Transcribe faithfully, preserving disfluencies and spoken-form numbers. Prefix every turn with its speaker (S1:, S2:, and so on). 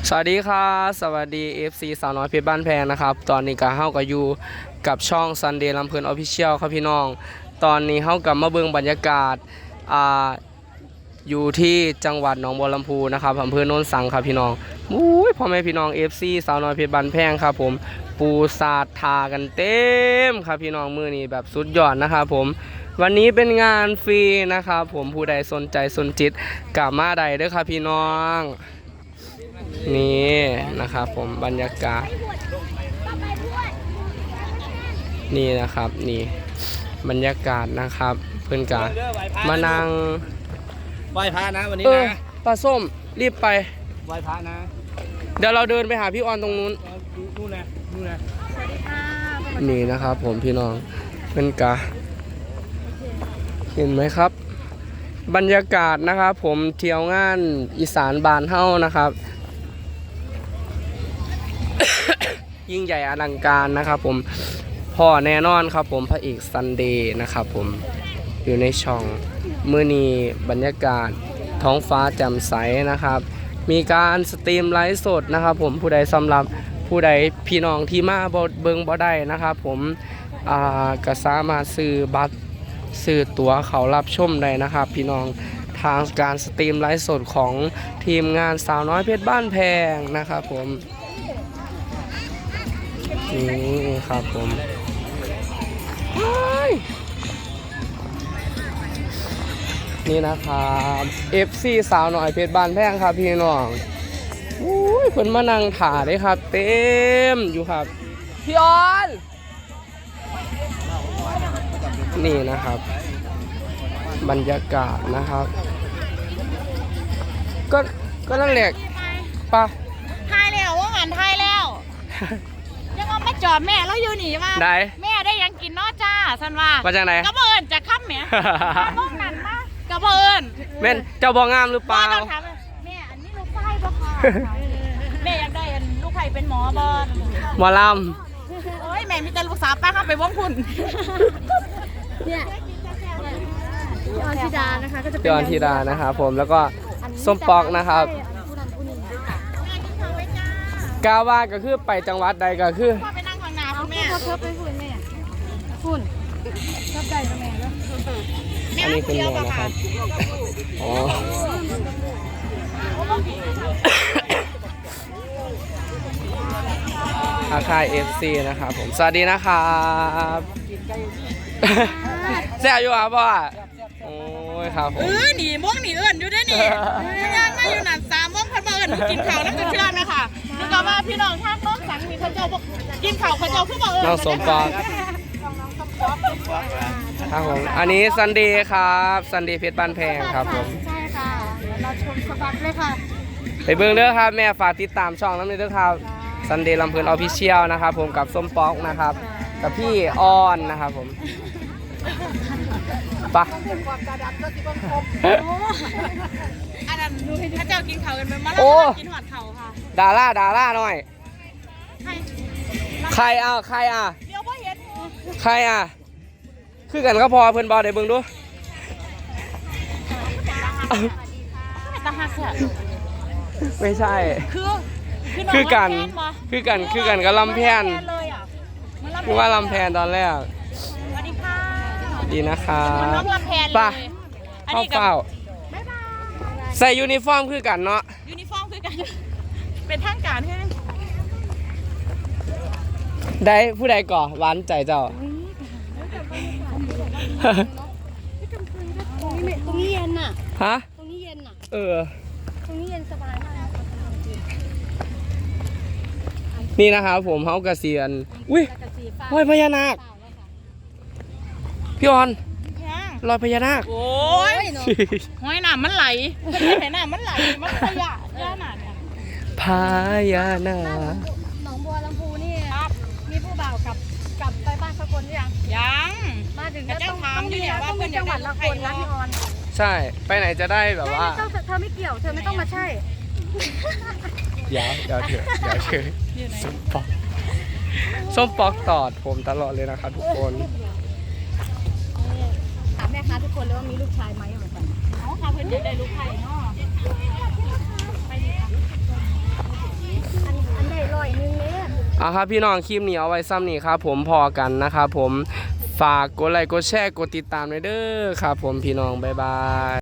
S1: สวัสดีครับสวัสดี เอฟ ซี สาวน้อยเพชรบ้านแพงนะครับตอนนี้ก็เฮาก็อยู่กับช่อง Sunday ลำเพลิน Official ครับพี่น้องตอนนี้เฮากลับมาเบิ่งบรรยากาศอ่าอยู่ที่จังหวัดหนองบัวลำพูนะครับอำเภอโนนสังครับพี่น้องอุ้ยพ่อแม่พี่น้อง เอฟ ซี สาวน้อยเพชรบ้านแพงครับผมปูสาดทากันเต็มครับพี่น้องมื้อนี้แบบสุดยอดนะครับผมวันนี้เป็นงานฟรีนะครับผมผู้ใดสนใจสนจิตกลับมาได้เด้อครับพี่น้องนี่นะครับผมบรรยากาศนี่นะครับนี่บรรยากาศนะครับเพื่อนกามานั่ง
S2: ไหว้พระนะวันนี้
S1: เออ
S2: นะ
S1: ปลาส้มรีบไป
S2: ไหว้พระนะ
S1: เดี๋ยวเราเดินไปหาพี่ออนตรงนู้น
S2: นู่นนะนู่นนะ
S3: สวัสดีค่ะ
S1: นี่นะครับผมพี่น้องเป็นกาเห็นไหมครับบรรยากาศนะครับผมเที่ยวงานอีสานบานเฮ้านะครับ ยิ่งใหญ่อลังการนะครับผมพ่อแน่นอนครับผมพระเอกซันเดย์นะครับผมอยู่ในช่องมื้อนี้บรรยากาศท้องฟ้าแจ่มใสนะครับมีการสตรีมไลฟ์สดนะครับผมผู้ใดสำหรับผู้ใดพี่น้องที่มาเบิงบ่ได้นะครับผมอ่าก็สามารถซื้อบัตรซื้อตั๋วเขารับชมได้นะครับพี่น้องทางการสตรีมไลฟ์สดของทีมงานสาวน้อยเพชรบ้านแพงนะครับผมนี่ครับผมนี่นะครับ เอฟ ซี สาวหน่อยเพชรบ้านแพงครับพี่น้องอุ้ยเพิ่นมานั่งถ่าได้ครับเต็มอยู่ครับพี่ออนนี่นะครับบรรยากาศนะครับก็ก็นั่นแหละปะ
S3: ทายแล้วว่างานทายแล้วยังว่าไม่จอดแม่แล้วอยู่หนีมา
S1: ได้
S3: แม่ได้ยังกินนอจ้าสันว่า
S1: มาจากไหน
S3: กระเบินจะค้ำแม่บ้องนั้นมากระเบิน
S1: แม่นเจ้าบ่งามหรือเปล่า
S3: ต้องถามแม่อันนี้ลูกไส้ปะคะแม่อยากได้อันลูกไผ่เป็นหมอบอล
S1: หมอล
S3: โอ้ยแม่มีแต่ลูกสาวป้าเข้าไปว่องคุณเนี่ยพี่ออนธิดานะคะก็จะ
S1: ำ
S3: เป็น
S1: พี่ออนธิดานะครับผมแล้วก็ส้มปอกนะครับกาว่าก็คือไปจังหวัดใดก็คือ
S3: พ่อไปนั่งข้างหน้าคุณแม่พ่อเพิ่มไปคุณแม่คุณชอบใจกับแม่แล้ว
S1: อันนี้คุณแม่นะครับอ๋ออาคาย เอฟ ซี นะครับผมสวัสดีนะครับเสียอยู่ครับพ่อโอ้ยครับผ
S3: เอ
S1: ม
S3: อหนีม่วงหนีเอื่นอยู่ได้หนิย่างมาอยู่หนันสามม่วงพันมาเอื่นกินข้าวน้ำจะเชื่อไหมค่ะนึกว่าพี่น้องท่าน้องสังมีเขาเจ้าบอกกินข้าวเขาเจ้าขึ้นมาเอื่น
S1: น้องสมปองครับผมอันนี้ซันเดย์ครับซันเดย์เพชรบ้านแพงครับผม
S3: ใช่ค่ะเราชมสบัดเลยค่ะ
S1: ไปเบิ่งเด้อครับแม่ฝากติดตามช่องน้ำนี้ด้วยครับซันเดย์ลำเพลินออฟฟิเชียลนะครับผมกับส้มป๊อกนะครับกับพี่ออนนะครับผมปะ
S3: อันนั้นพระเจ้ากินข้าวกันไปมาแล้วกินหอดเข่าค่ะ
S1: ดาร่าดาร่าหน่อย
S3: ใคร
S1: ใครอ่ะใครอ่ะ
S3: เดี๋ยวพ่อเห็น
S1: ใครอ่ะคือกันก็พอเพิ่นบอได้เบิ่งดู
S3: ตาหักค่ะ
S1: ไม่ใช่
S3: คือ
S1: คือกันคือกันคือกันกับลำแพน
S3: เลยอ่ะ
S1: คือว่าลำแพนตอนแรก
S3: สวัสดีค่ะ
S1: ดีนะครับ
S3: มันน้องลำแพนเลย
S1: ป่ะ
S3: อัน
S1: เข้า
S3: นี้กับ
S1: เฝ้า
S3: บ๊ายบาย
S1: ใส่ยูนิฟอร์มคือกันเนาะ
S3: ยูนิฟอร์มคือกัน เป็นทางการใช่ไหม
S1: ได้ผู้ใดก่อหวานใจเจ้า
S3: ตรงนี้ไม่ตรงนี้เย็นน่ะ
S1: ฮะ
S3: ตรงนี้เย็นน่ะ
S1: เออ
S3: ตรงนี้เย็นสบายมาก
S1: นี่นะครับผมเฮากระเซียนอุ้ยรอยพญานาคพี่ออนรอยพญานาค
S3: โอ้ยห้อยน้ำมันไหลเห็นน้ำมันไหลมันขยะเยอะหนาเนี่ย
S1: พญานาค
S4: หนองบัวลำพูนี่มีผู้บ่าวกับกับไปบ้านสกลหรือยัง
S3: ยัง
S4: มาถึง
S3: แต่
S4: ก็
S3: เจ้า
S4: ต้อง
S3: ถามอยู่เนี่ยว่า
S4: ต้อง
S3: เพื่
S4: มี
S3: อน
S4: จังหวัดละคนนะพี่ออน
S1: ใช่ไปไหนจะได้แบบ
S4: ไม่
S1: ว่า
S4: ไม่ต้องเธอไม่เกี่ยวเธอไม่ต้องมาใช่
S1: เดี๋ยวเดี๋ยวเถอะเดี๋ยวเถอะส้มปอกส้มปอกตอดผมตลอดเลยนะครับทุกคน
S4: ถามแม่ค้าทุกคนเลยว่ามีลูกชายไหมเหมือนกัน
S3: เขาพาเพื่อนอยากได้ลูกไข่เนาะไปดิค่ะ
S1: เอาครับพี่น้องคลิปนี้เอาไว้ซ้ำนี่ครับผมพอกันนะครับผมฝากกดไลค์กดแชร์กดติดตามด้วยเด้อครับผมพี่น้องบ๊ายบาย